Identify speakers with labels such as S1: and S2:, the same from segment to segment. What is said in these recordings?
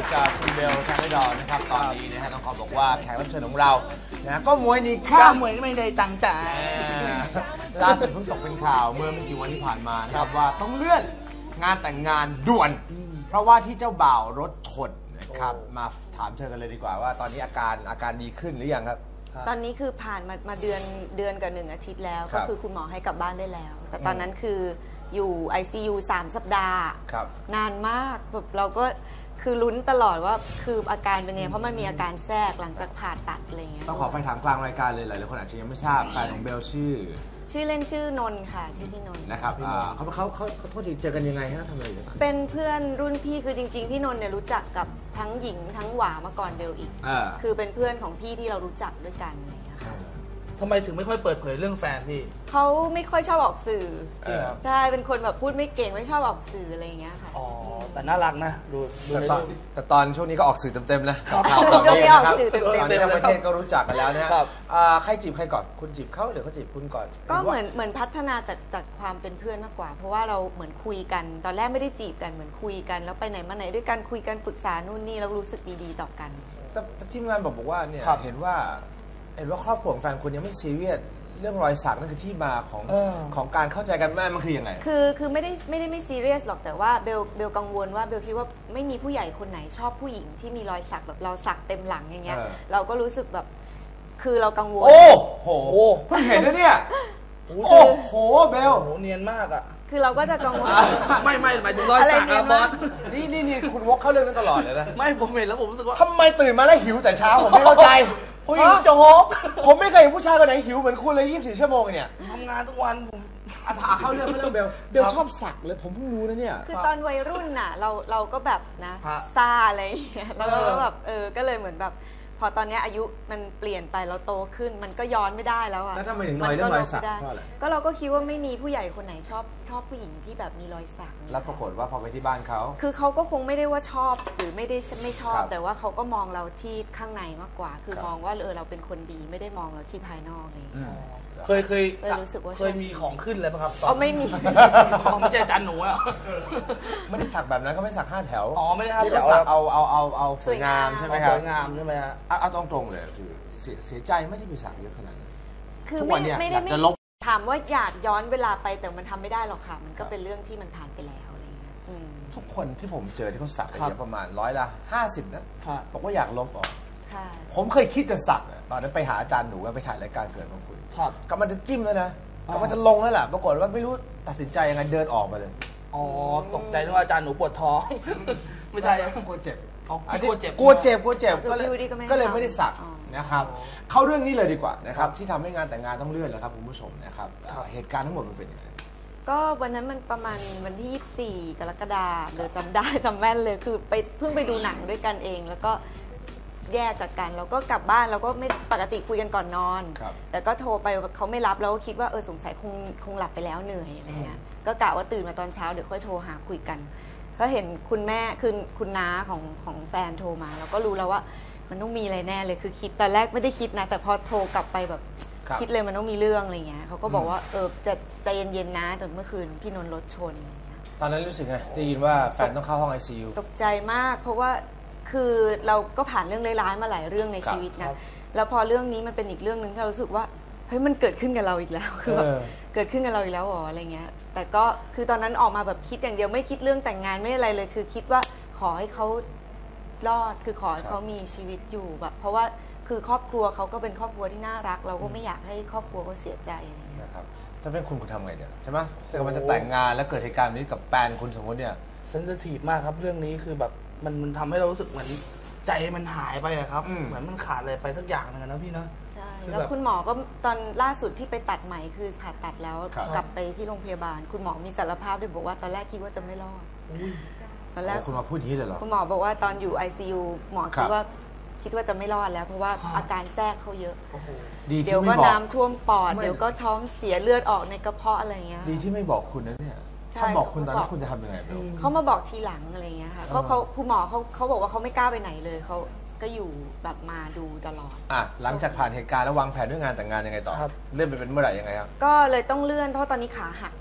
S1: กับคุณเบลชาไนดอนนะครับตอนนี้นะฮะต้องขอบอกว่าแขกรับเชิญของเรานะก็มวยนี่ค่ะ
S2: มวยไม่ได้ตั้งใจ
S1: ล่าสุดเพิ่งตกเป็นข่าวเมื่อไม่กี่วันที่ผ่านมานะครับว่าต้องเลื่อนงานแต่งงานด่วนเพราะว่าที่เจ้าบ่าวรถชนนะครับมาถามเธอกันเลยดีกว่าว่าตอนนี้อาการดีขึ้นหรือยังครับ
S3: ตอนนี้คือผ่านมาเดือนกับ1 อาทิตย์แล้วก็คือคุณหมอให้กลับบ้านได้แล้วแต่ตอนนั้นคืออยู่ ICU 3 สัปดาห์นานมากแบบเราก็คือลุ้นตลอดว่าคืออาการเป็นไงเพราะมันมีอาการแทรกหลังจากผ่าตัดอะไรเงี้ย
S1: ต้องขอไปถามกลางรายการเลยหลายๆคนอาจจะยังไม่ทราบแฟนของเบลชื่อ
S3: เล่นชื่อนนท์ค่ะชื่อพี่นนท์
S1: นะครับเขาโทษทีเจอกันยังไงฮะทำอะไรอยู่
S3: เป็นเพื่อนรุ่นพี่คือจริงๆพี่นนท์เนี่ยรู้จักกับทั้งหญิงทั้งหวามาก่อนเบลอีกคือเป็นเพื่อนของพี่ที่เรารู้จักด้วยกันอะไรเงี้ยค่ะ
S2: ทำไมถึงไม่ค่อยเปิดเผยเรื่องแฟนพี่
S3: เขาไม่ค่อยชอบออกสื่อใช่เป็นคนแบบพูดไม่เก่งไม่ชอบออกสื่ออะไรอย่างเงี้ยค่ะ
S2: อ๋อแต่น่ารักนะดู
S1: แต่ตอนช่วงนี้ก็ออกสื่อเต็มๆนะ
S3: ช่วงนี้ออกสื่อเต็มๆ
S1: ตอนนี้ทั้งประเทศก็รู้จักกันแล้วนะใครจีบใครก่อนคุณจีบเขาหรือเขาจีบคุณก่อน
S3: ก็เหมือนพัฒนาจากความเป็นเพื่อนมากกว่าเพราะว่าเราเหมือนคุยกันตอนแรกไม่ได้จีบกันเหมือนคุยกันแล้วไปไหนมาไหนด้วยกันคุยกันปรึกษานู่นนี่แล้วรู้สึกดีๆต่อกัน
S1: แต่ทีมงานบอกว่าเนี่ยเห็นว่าครอบครัวของแฟนคุณยังไม่ซีเรียสเรื่องรอยสักนั่นคือที่มาของการเข้าใจกันแม่มันคือยังไง
S3: คือไม่ได้ซีเรียสหรอกแต่ว่าเบลกังวลว่าเบลคิดว่าไม่มีผู้ใหญ่คนไหนชอบผู้หญิงที่มีรอยสักแบบเราสักเต็มหลังอย่างเงี้ยเราก็รู้สึกแบบคือเรากังวล
S1: โอ้โหเพิ่งเห็นนะเนี่ยโอ้โหเบล
S2: โหเนียนมากอ่ะ
S3: คือเราก็จะกังวล
S2: ไม่หมายถึงรอยสักอะบอส
S1: นี่คุณวกเข้าเรื่องนั้นตลอดเลยนะ
S2: ไม่ผมเห็นแล้วผมรู้สึกว่า
S1: ทำไมตื่นมาแล้วหิวแต่เช้าผมไม่เข้าใจ
S2: ผู้หญิงโจ๊ก
S1: ผมไม่เคยเห็นผู้ชายคนไหนหิวเหมือนคุณเลย24 ชั่วโมงเนี่ย
S2: ทำงานทุกวันผม
S1: เข้าเรื่องเบลชอบสักเลยผมเพิ่งรู้นะเนี่ย
S3: คือตอนวัยรุ่นน่ะเราก็แบบนะซาอะไรอย่างเงี้ยแล้วเราก็แบบก็เลยเหมือนแบบพอตอนนี้อายุมันเปลี่ยนไปเราโตขึ้นมันก็ย้อนไม่ได้แล้วอะ
S1: แล้วทำไมถึงน้อยเรื่องรอยสักเพราะอะไร
S3: ก็เราก็คิดว่าไม่มีผู้ใหญ่คนไหนชอบผู้หญิงที่แบบมีรอยสัก
S1: แล้วปรากฏว่าพอไปที่บ้านเขา
S3: คือเขาก็คงไม่ได้ว่าชอบหรือไม่ชอบแต่ว่าเขาก็มองเราที่ข้างในมากกว่าคือมองว่าเราเป็นคนดีไม่ได้มองเราที่ภายนอกเลย
S2: เคยมีของขึ้นเลยป่ะครับ
S3: ไม่มี
S2: ไม่ใช่จันหนูอะ
S1: ไม่ได้สักแบบนั้นเขาไม่สัก5 แถว
S2: ไม่ได้5 แถว
S1: สักเอาสวยงามใช่ไหมครับ
S2: สวยงามใช่ไหมฮะ
S1: เอาตรงๆเลยคือเสียใจไม่ได้ไปสักเยอะขนาดนั้น
S3: คือไม่ได้จะลบถามว่าอยากย้อนเวลาไปแต่มันทำไม่ได้หรอกค่ะมันก็เป็นเรื่องที่มันผ่านไปแล้วอะไรเงี้ย
S1: ทุกคนที่ผมเจอที่เขาสักเยอะประมาณ50%นะบอกว่าอยากลบออกผมเคยคิดจะสักตอนนั้นไปหาอาจารย์หนูไปถ่ายรายการเกิดมาคุยกำลังจะจิ้มแล้วนะกำลังจะลงแล้วแหละปรากฏว่าไม่รู้ตัดสินใจยังไงเดินออกมาเลย
S2: ตกใจนึกว่าอาจารย์หนูปวดท้องไม่ใช่
S1: กลัวเจ็บ
S2: กลัวเจ็บ
S1: ก็เลยไม่ได้สักนะครับเข้าเรื่องนี้เลยดีกว่านะครับที่ทำให้งานแต่งงานต้องเลื่อนแล้วครับคุณผู้ชมนะครับเหตุการณ์ทั้งหมดมันเป็นยังไง
S3: ก็วันนั้นมันประมาณวันที่24 กรกฎาคมเดี๋ยวจำแม่นเลยคือเพิ่งไปดูหนังด้วยกันเองแล้วก็แยกจากกันแล้วก็กลับบ้านเราก็ไม่ปกติคุยกันก่อนนอนแต่ก็โทรไปเขาไม่รับแล้วก็คิดว่าสงสัยคงหลับไปแล้วเหนื่อยอะไรเงี้ยก็กะว่าตื่นมาตอนเช้าเดี๋ยวค่อยโทรหาคุยกันก็เห็นคุณแม่คือคุณน้าของแฟนโทรมาเราก็รู้แล้วว่ามันต้องมีอะไรแน่เลยคือคิดตอนแรกไม่ได้คิดนะแต่พอโทรกลับไปแบบคิดเลยมันต้องมีเรื่องอะไรเงี้ยเขาก็บอกว่าจะใจเย็นๆนะแต่เมื่อคืนพี่นนท์รถชน
S1: ตอนนั้นรู้สึกไงได้ยินว่าแฟนต้องเข้าห้อง ICU
S3: ตกใจมากเพราะว่าคือเราก็ผ่านเรื่องร้ายๆมาหลายเรื่องในชีวิตนะแล้วพอเรื่องนี้มันเป็นอีกเรื่องนึงที่เรารู้สึกว่าเฮ้ยมันเกิดขึ้นกับเราอีกแล้วคือแบบเกิดขึ้นกับเราอีกแล้วอะไรเงี้ยแต่ก็คือตอนนั้นออกมาแบบคิดอย่างเดียวไม่คิดเรื่องแต่งงานไม่อะไรเลยคือคิดว่าขอให้เขารอดคือขอให้เขามีชีวิตอยู่แบบเพราะว่าคือครอบครัวเขาก็เป็นครอบครัวที่น่ารักเราก็ไม่อยากให้ครอบครัวเขาเสียใจ
S1: นะครับถ้าเป็นคุณทำไงเนี่ยใช่ไหมถ้ามันจะแต่งงานแล้วเกิดเหตุการณ์นี้กับแฟนคุณสมมติเนี่ย
S2: เซนซิทีฟมากครับเรื่องนี้คือแบบมันทำให้เรารู้สึกเหมือนใจมันหายไปอะครับเหมือนมันขาดอะไรไปสักอย่างนึงนะพี่นะ
S3: ใช่แล้วคุณหมอก็ตอนล่าสุดที่ไปตัดไหมคือผ่าตัดแล้วกลับไปที่โรงพยาบาลคุณหมอมีสารภาพด้วยบอกว่าตอนแรกคิดว่าจะไม่รอด
S1: ตอนแรกคุณหมอพูดอย่างนี้เลยเหรอ
S3: คุณหมอบอกว่าตอนอยู่ ICU หมอคิดว่าจะไม่รอดแล้วเพราะว่าอาการแทรกเขาเยอะเดี๋ยวก็น้ำท่วมปอดเดี๋ยวก็ท้องเสียเลือดออกในกระเพาะอะไรเงี้ย
S1: ดีที่ไม่บอกคุณนะเนี่ยถ้าบอกคุณตอนนั้นคุณจะทำยังไง
S3: เขามาบอกทีหลังอะไรเงี้ยค่ะเพราะคุณหมอเขาบอกว่าเขาไม่กล้าไปไหนเลยเขาก็อยู่แบบมาดูตลอด
S1: หลังจากผ่านเหตุการณ์แล้ววางแผนเรื่องงานแต่งงานยังไงต่อเลื่อนไปเป็นเมื่อไหร่ยังไงครับ
S3: ก็เลยต้องเลื่อนเพราะตอนนี้ขาหักค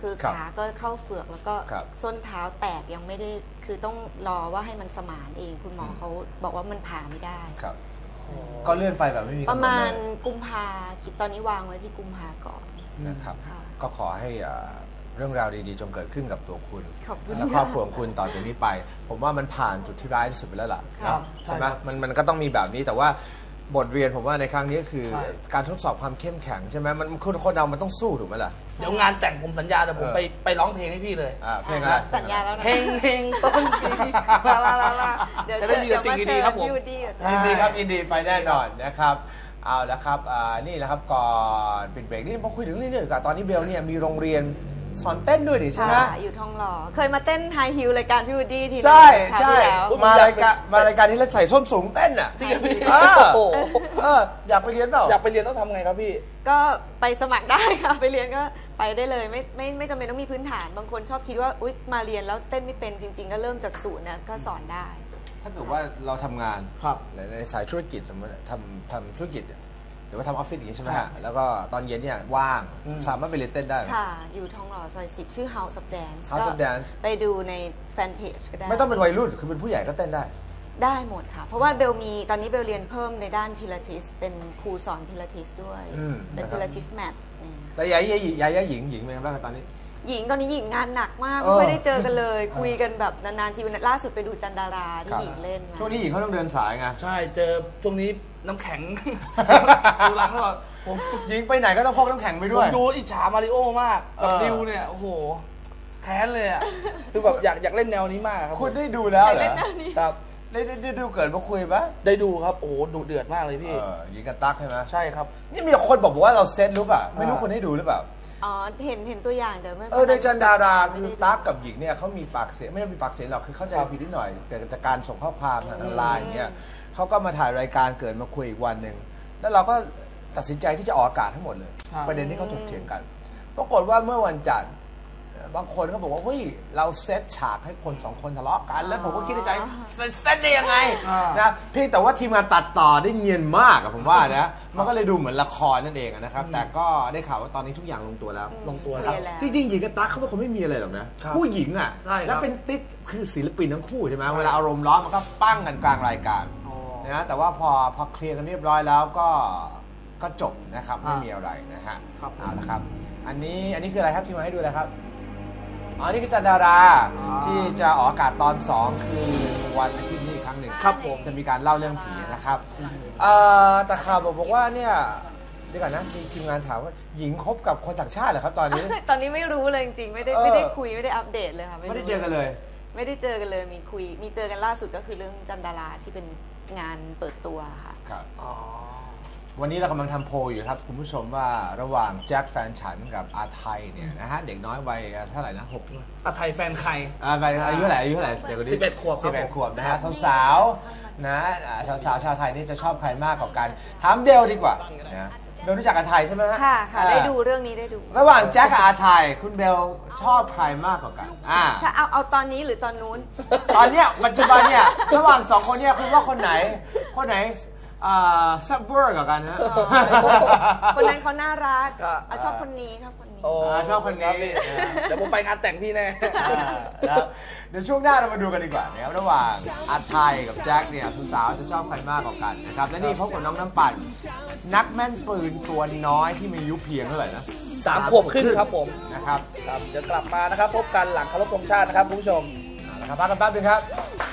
S3: คือขาก็เข้าเฝือกแล้วก็ส้นเท้าแตกยังไม่ได้คือต้องรอว่าให้มันสมานเองคุณหมอเขาบอกว่ามันผ่าไม่ได้
S1: ครับก็เลื่อนไปแบบไม่มี
S3: ประมาณกุมภาคิดตอนนี้วางไว้ที่กุมภาก่อน
S1: นะครับก็ขอให้เรื่องราวดีๆจงเกิดขึ้นกับตัวคุณและครอบครัวของคุณต่อจากนี้ไปผมว่ามันผ่านจุดที่ร้ายที่สุดไปแล้วล่ะใช่ไหมมันก็ต้องมีแบบนี้แต่ว่าบทเรียนผมว่าในครั้งนี้คือการทดสอบความเข้มแข็งใช่ไหมมันคนเรามันต้องสู้ถูกไหมล่ะ
S2: เดี๋ยวงานแต่งผมสัญญาเดี๋ยวผมไปร้องเพลงให้พี่เลย
S1: เพลงอะไร
S3: สัญญาแล้วนะ
S2: เพลงต้นปีลา
S3: เดี๋ยวจะมีแต่สิ่งดีๆครับผม
S1: ยินดีครับยินดีไปแน่นอนนะครับเอาละครับนี่แหละครับก่อนปิดเบรกนี่พอคุยถึงเรื่องนี้ดีกว่าตอนนี้เบลเนี่ยมีโรงเรียนสอนเต้นด้วยดิใช่ไหม
S3: อยู่ทองหล่อเคยมาเต้นไฮฮิลรายการพี่วูดดี้ทีนึง
S1: ใช่มารายการนี้แล้วใส่ส้นสูงเต้นอ่ะอยากไปเรียนเปล่า
S2: อยากไปเรียนต้องทำไงครับพี่
S3: ก็ไปสมัครได้ค่ะไปเรียนก็ไปได้เลยไม่จำเป็นต้องมีพื้นฐานบางคนชอบคิดว่าอุ๊ยมาเรียนแล้วเต้นไม่เป็นจริงๆก็เริ่มจากศูนย์นะก็สอนได้
S1: ถ้าเกิดว่าเราทำงานในสายธุรกิจสมมติทำธุรกิจหรือว่าทำออฟฟิศอย่างนี้ใช่ไหมฮะแล้วก็ตอนเย็นเนี่ยว่างสามารถไปเรียนเต้นได้
S3: ค่ะอยู่ทองหล่อซอย10ชื่อ House of Dance
S1: House of Dance
S3: ไปดูในแฟนเพจก็ได้
S1: ไม่ต้องเป็นวัยรุ่นคือเป็นผู้ใหญ่ก็เต้น
S3: ได้หมดค่ะเพราะว่าเบลมีตอนนี้เบลเรียนเพิ่มในด้านพิลาทิสเป็นครูสอนพิลาทิสด้วยเป็นพิลาทิสแมท
S1: แต่ยายหญิงเป็นไงบ้างตอนนี้
S3: หญิงตอนนี้หญิงงานหนักมากไม่ได้เจอกันเลยคุยกันแบบนานๆทีล่าสุดไปดูจันดาราที่หญิงเล่น
S1: ช่วงนี้หญิงเขาต้องเดินสายไง
S2: ใช่เจอช่วงนี้น้ำแข็งดูหลังก่อน
S1: ผมยิงไปไหนก็ต้องพกน้ำแข็งไปด้วย
S2: ผมดูอิจฉามาริโอมากกับดิวเนี่ยโอ้โหแค้นเลยอ่ะคือแบบอยากเล่นแนวนี้มากครับ
S1: คุณได้ดูแล้วเหรอครับได้ดูเกิดมาคุยปะ
S2: ได้ดูครับโอ้โหดูเดือดมากเลยพี่
S1: ยิงกันตักใช่ไหม
S2: ใช่ครับ
S1: นี่มีคนบอกว่าเราเซตรู้ป่ะไม่รู้คนให้ดูหรือเปล่า
S3: อ๋อเห็นตัวอย่างแต่ไม่
S1: ในจันดาราคือตั๊กกับหญิงเนี่ยเขามีปากเสียงไม่ใช่มีปากเสียงหรอกคือเข้าใจผิดนิดหน่อยแต่จากการส่งข้อความทางไลน์อย่างเงี้ยเขาก็มาถ่ายรายการเกิดมาคุยอีกวันหนึ่งแล้วเราก็ตัดสินใจที่จะออกอากาศทั้งหมดเลยประเด็นที่เขาถกเถียงกันปรากฏว่าเมื่อวันจันทร์บางคนเขาบอกว่าเฮ้ยเราเซตฉากให้คน2คนทะเลาะกันแล้วผมก็คิดในใจเซตได้ยังไงนะเพียงแต่ว่าทีมงานตัดต่อได้เนียนมากอะผมว่านะมันก็เลยดูเหมือนละครนั่นเองนะครับแต่ก็ได้ข่าวว่าตอนนี้ทุกอย่างลงตัวแล้วครับจริงๆหญิงกับตั๊กเขาเป็นคนไม่มีอะไรหรอกนะผู้หญิงอะแล้วเป็นติ๊กคือศิลปินทั้งคู่ใช่ไหมเวลาอารมณ์ร้อนมันก็ปั้งกันกลางรายการนะแต่ว่าพอเคลียร์กันเรียบร้อยแล้วก็จบนะครับไม่มีอะไรนะฮะเอาละครับอันนี้คืออะไรครับที่มาให้ดูนะครับนี่คือจันดาราที่จะออกอากาศตอน2คือวันอาทิตย์นี้อีกครั้งหนึ่ง
S2: ครับผม
S1: จะมีการเล่าเรื่องผีนะครับแต่ข่าวบอกว่าเนี่ยเดี๋ยวก่อนนะมีทีมงานถามว่าหญิงคบกับคนต่างชาติเหรอครับตอนนี้
S3: ตอนนี้ไม่รู้เลยจริงๆไม่ได้คุยไม่ได้อัปเดตเลยค่ะ
S1: ไม่ได้เจอกันเลย
S3: ไม่ได้เจอกันเลยมีเจอกันล่าสุดก็คือเรื่องจันดาราที่เป็นงานเปิดตัวค่ะ
S1: ครับวันนี้เรากำลังทำโพลอยู่ครับคุณผู้ชมว่าระหว่างแจ็คแฟนฉันกับอาไทยเนี่ยนะฮะเด็กน้อยวัยเท่าไหร่นะ
S2: อาไทยแฟนใคร
S1: อายุเท่าไหร่เด็กคนนี้
S2: 11 ขวบ
S1: 11 ขวบนะฮะสาวๆนะสาวชาวไทยนี่จะชอบใครมากกว่ากันถามเบลดีกว่านะเบลรู้จักอาไทยใช่ไหมฮะ
S3: ค่ะได้ดูเรื่องนี้ได้ดู
S1: ระหว่างแจ็คกับอาไทยคุณเบลชอบใครมากกว่ากัน
S3: ถ้าเอาตอนนี้หรือตอนนู้น
S1: ตอนเนี้ยปัจจุบันเนี่ยระหว่าง2คนเนี่ยคุณว่าคนไหนซับเวอร์กับกันนะ
S3: คนนั้นเขาน่ารักชอบคนนี้ชอบคนนี้
S1: ชอบคนนี้
S2: เดี๋ยวผมไปงานแต่งพี่แน่
S1: เดี๋ยวช่วงหน้าเรามาดูกันดีกว่านะครับระหว่างอาไทยกับแจ็คเนี่ยสาวจะชอบใครมากกว่ากันนะครับและนี่พบกับน้องน้ำปั่นนักแม่นปืนตัวน้อยที่มีอายุเพียงเท่าไหร่นะ
S2: 3 ขวบขึ้นครับผม
S1: นะครับ
S2: เดี๋ยวกลับมานะครับพบกันหลังเคารพธงชาตินะครับคุณผู้ชม
S1: นะครับพักกันแป๊บนึงครับ